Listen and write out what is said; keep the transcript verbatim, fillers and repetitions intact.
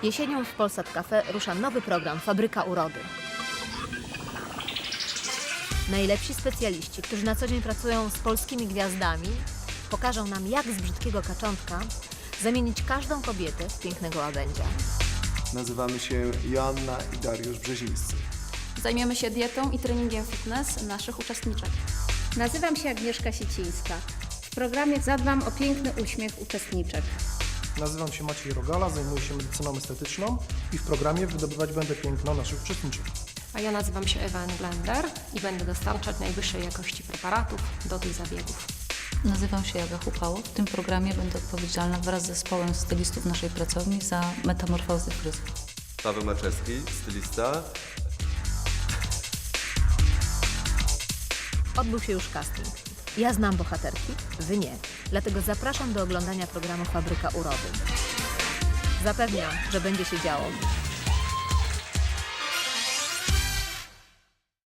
Jesienią w Polsat Cafe rusza nowy program Fabryka Urody. Najlepsi specjaliści, którzy na co dzień pracują z polskimi gwiazdami, pokażą nam, jak z brzydkiego kaczątka zamienić każdą kobietę w pięknego łabędzia. Nazywamy się Joanna i Dariusz Brzezińscy. Zajmiemy się dietą i treningiem fitness naszych uczestniczek. Nazywam się Agnieszka Siecińska. W programie zadbam o piękny uśmiech uczestniczek. Nazywam się Maciej Rogala, zajmuję się medycyną estetyczną i w programie wydobywać będę piękno naszych uczestniczek. A ja nazywam się Ewa Englender i będę dostarczać najwyższej jakości preparatów do tych zabiegów. Nazywam się Jaga Hupało. W tym programie będę odpowiedzialna wraz z zespołem stylistów naszej pracowni za metamorfozy fryzur. Paweł Maczewski, stylista. Odbył się już casting. Ja znam bohaterki, wy nie. Dlatego zapraszam do oglądania programu Fabryka Urody. Zapewniam, że będzie się działo.